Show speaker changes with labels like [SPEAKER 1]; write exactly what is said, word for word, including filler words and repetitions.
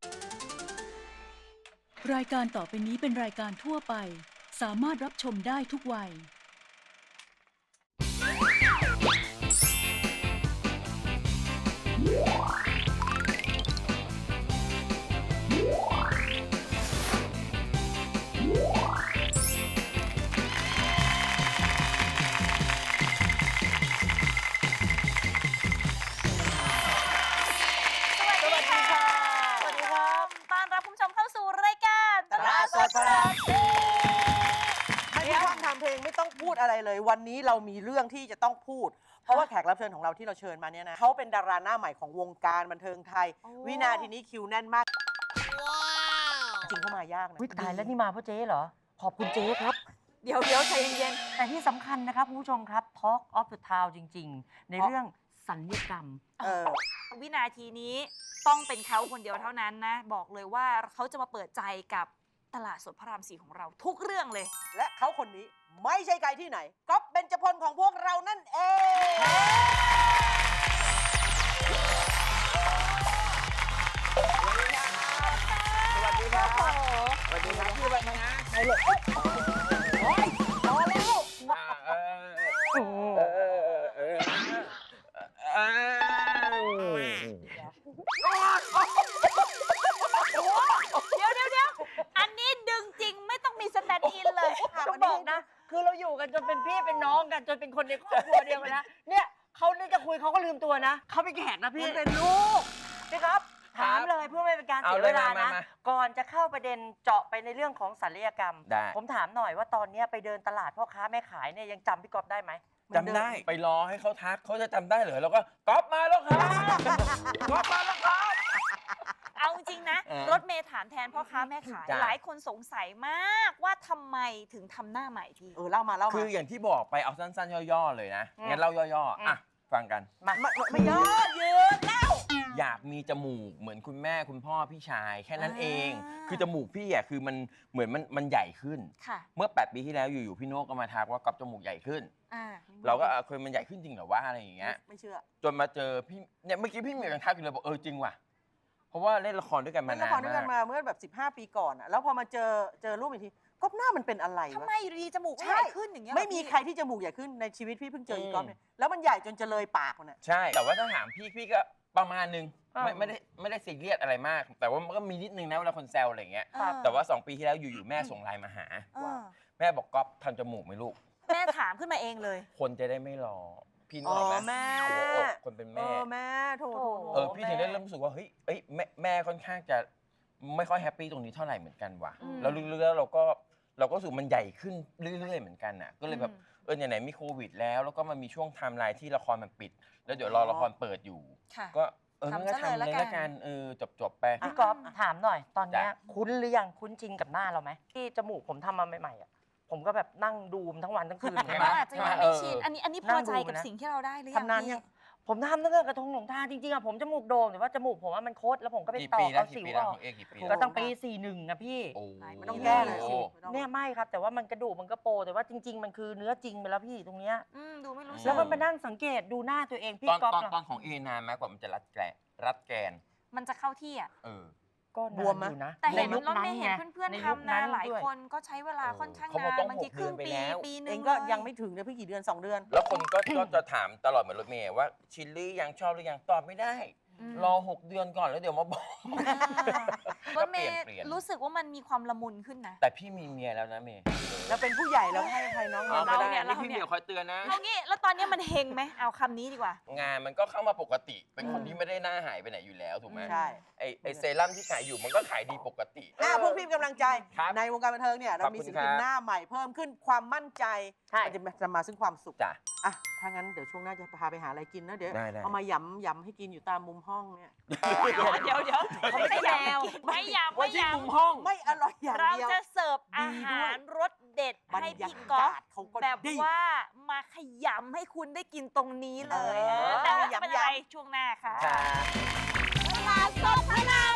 [SPEAKER 1] รายการต่อไปนี้เป็นรายการทั่วไปสามารถรับชมได้ทุกวัย
[SPEAKER 2] ไม่ต้องพูดอะไรเลยวันนี้เรามีเรื่องที่จะต้องพูดเพราะว่าแขกรับเชิญของเราที่เราเชิญมาเนี่ยนะเขาเป็นดาราหน้าใหม่ของวงการบันเทิงไทยวินาทีนี้คิวแน่นมากจริงเข้ามายากนะ
[SPEAKER 3] ตายแล้วนี่มาเพราะเจ๊เหรอขอบคุณเจ๊ครับ
[SPEAKER 2] เดี๋ยวเดี๋ยวใจเย็น
[SPEAKER 3] ๆแต่ที่สำคัญนะครับคุณผู้ชมครับ Talk of the Town จริงๆในเรื่องสัญญกรรม
[SPEAKER 4] วินาทีนี้ต้องเป็นเขาคนเดียวเท่านั้นนะบอกเลยว่าเขาจะมาเปิดใจกับตลาดสดพระรามสี่ของเราทุกเรื่องเลย
[SPEAKER 2] และเขาคนนี้ไม่ใช่ใครที่ไหนก๊อฟเบญจพลของพวกเรานั่นเองสวัสดีครับสวัสดีครับพี่วันนะใครเลยโอ้ยพอแล้ว
[SPEAKER 4] เดี๋ยวเดี๋ยวเดี๋ยวอันนี้ดึงจริงไม่ต้องมีสแตนด์อินเลย
[SPEAKER 3] ก็บอกนะคือเราอยู่กันจนเป็นพี่เป็นน้องกันจนเป็นคนในครอบครัวเดียวกันนะเนี่ยเขาเนี่ยจะคุยเขาก็ลืมตัวนะเขาเป็นแขกนะพี่
[SPEAKER 2] เป็นลูก
[SPEAKER 3] พี่ครับถามเลยเพื่อไม่เป็นการเสียเวลานะก่อนจะเข้าประเด็นเจาะไปในเรื่องของศัลยกรรมผมถามหน่อยว่าตอนนี้ไปเดินตลาดพ่อค้าแม่ขายเนี่ยยังจำพี่ก๊อฟได้ไหม
[SPEAKER 5] จำได้ไปรอให้เขาทักเขาจะจำได้เหรอแล้วก็ก๊อฟมาแล้วครับก๊อฟมาแล้วครับ
[SPEAKER 4] เอาจริงนะรถเมย์ถามแทนพ่อค้าแม่ขายหลายคนสงสัยมากว่าทำไมถึงทำหน้าใหม่พี่
[SPEAKER 2] เออเล่ามาเล่ามา
[SPEAKER 5] คืออย่างที่บอกไปเอาสั้นๆย่อๆเลยนะงั้นเล่าย่อๆอ่ะฟังกัน
[SPEAKER 2] มาไม่ย่อยืนเล่า
[SPEAKER 5] อยากมีจมูกเหมือนคุณแม่คุณพ่อพี่ชายแค่นั้นเองคือจมูกพี่อ่ะคือมันเหมือนมันมันใหญ่ขึ้นเมื่อแปดปีที่แล้วอยู่ๆพี่โน้ก็มาทักว่าก๊อฟจมูกใหญ่ขึ้นเราก็เคยมันใหญ่ขึ้นจริงเหรอวะอะไรอย่างเงี้ย
[SPEAKER 2] ไม่เชื่อ
[SPEAKER 5] จนมาเจอพี่เนี่ยเมื่อกี้พี่เหมียวยังทักอยู่เลยบอกเออจริงว่ะเพราะว่าเล่นละครด้วยกันมานานมากเล่นละครด้วยกัน
[SPEAKER 2] มาเมื่อแบบสิบห้าปีก่อนอ่ะแล้วพอมาเจอเจอรูปอีกทีก๊อฟหน้ามันเป็นอะไรวะ
[SPEAKER 4] ทำไมอยู่ดีจมูกใหญ่ขึ้นอย่างเงี้ย
[SPEAKER 2] ไม่มีใครที่จมูกใหญ่ขึ้นในชีวิตพี่เพิ่งเจออีก๊อฟเนี่ยแล้วมันใหญ่จนจะเลยปากมันอ่ะ
[SPEAKER 5] ใช่แต่ว่าถ้าถามพี่พี่ก็ประมาณนึงไม่ไม่ได้ไม่ได้ซีเรียสอะไรมากแต่ว่ามันก็มีนิดนึงนะเวลาคนแซวอะไรอย่างเงี้ยแต่ว่าสองปีที่แล้วอยู่ๆแม่ส่งไลน์มาหาแม่บอกก๊อฟทำจมูกไหมลูก
[SPEAKER 4] แม่ถามขึ้นมาเองเลย
[SPEAKER 5] คนจะได้ไม่รอพี่น้องนะ
[SPEAKER 2] แม่
[SPEAKER 5] คนเป็นแม่
[SPEAKER 2] เออแม่โถ
[SPEAKER 5] เออพี่ถึงได้เริ่มรู้สึกว่าเฮ้ยเอ้ยแม่แม่ค่อนข้างจะไม่ค่อยแฮปปี้ตรงนี้เท่าไหร่เหมือนกันว่ะแล้วลึกๆแล้วเราก็เราก็รู้สึกมันใหญ่ขึ้นเรื่อยๆเหมือนกันน่ะก็เลยแบบเออไหนๆมีโควิดแล้วแล้วก็มันมีช่วงไทม์ไลน์ที่ละครมันปิดแล้วเดี๋ยวรอละครเปิดอยู่ก็เอองั้นก็ทำเลยละกันเออจบๆไป
[SPEAKER 3] พี่ก๊อฟถามหน่อยตอนนี้คุ้นหรือยังคุ้นจริงกับหน้าเราไหมที่จมูกผมทำมาใหม่ๆอ่ะผมก็แบบนั่งดูมทั้งวันทั้งคืน
[SPEAKER 4] ใช่ไหมอาจจะยังไม่ชินอันนี้อันนี้พอใจกับสิ่งที่เราได้หรือยัง
[SPEAKER 3] ทำนานยังผมทำตั้งแต่กระทงหลงทางจริงๆอะผมจมูกโด่งแต่ว่าจมูกผมว่ามันโคตรแล้วผมก็ไปต่อเอาสิวออกก็ตั้งปีสี่หนึ่งอะพี่
[SPEAKER 2] มันต้องแก้เลย
[SPEAKER 3] เนี่ยไม่ครับแต่ว่ามันกระดูกมันก็โปแต่ว่าจริงๆมันคือเนื้อจริงไปแล้วพี่ตรงเนี้ย
[SPEAKER 4] ดูไม่รู้
[SPEAKER 3] แล้วมันมานั่งสังเกตดูหน้าตัวเองพี่ก๊อฟ
[SPEAKER 5] ตอนของเอนานไหมกว่ามันจะรัดแกนรัดแกน
[SPEAKER 4] มันจะเข้าที่อะ
[SPEAKER 5] เออ
[SPEAKER 3] ก็บวมนะ
[SPEAKER 4] แต่เห็นรถเมย์เห็นเพื่อนๆทำนะหลายคนก็ใช้เวลาค่อนข้างนานบางทีครึ่งปีปีนึง
[SPEAKER 2] เองก็ยังไม่ถึงเลยเพิ่งกี่เดือนสองเดือน
[SPEAKER 5] แล้วคนก็ก็จะถามตลอดเหมือนรถเมย์ว่าชิลลี่ยังชอบหรือยังตอบไม่ได้รอหกเดือนก่อนแล้วเดี๋ยวมาบอก
[SPEAKER 4] รถเมย์รู้สึกว่ามันมีความละมุนขึ้นนะ
[SPEAKER 5] แต่พี่มีเมียแล้วนะเมย์
[SPEAKER 2] แล้วเป็นผู้ใหญ่แล้วให้ใครน้อง
[SPEAKER 5] เราเนี่ยเราพี่เมียคอยเตือนนะ
[SPEAKER 4] เอางี้แล้วตอนนี้มันเฮงไหมเอาคำนี้ดีกว่
[SPEAKER 5] างานมันก็เข้ามาปกติเป็นคนที่ไม่ได้หน้าหายไปไหนอยู่แล้วถูกไหม
[SPEAKER 2] ใช่
[SPEAKER 5] ไอไอเซรั่มที่ขายอยู่มันก็ขายดีปกติ
[SPEAKER 2] อ่าพวกพี่กำลังใจในวงการบันเทิงเนี่ยเรามีศิลปินหน้าใหม่เพิ่มขึ้นความมั่นใจมันจะจะมาซึ่งความสุข
[SPEAKER 5] จ้ะ
[SPEAKER 2] อ่ะถ้างั้นเดี๋ยวช่วงหน้าจะพาไปหาอะไรกินนะเดี๋ยวเอามาหยำหยำให้กินอยู่ตามมุมห้องเนี่ย
[SPEAKER 4] เดี๋ยวเดี๋ยวไม่ใช่แมวไม่ยำไม่ยำ
[SPEAKER 5] มุมห้อง
[SPEAKER 2] ไม่อร่อยอย่างเดียว
[SPEAKER 4] เราจะเสิร์ฟอาหารรสเด็ดให้พี่ก๊อฟแบบว่ามาขยำให้คุณได้กินตรงนี้เลยแต่จะเป็นอะไรช่วงหน้าค่ะตลาดสดพระราม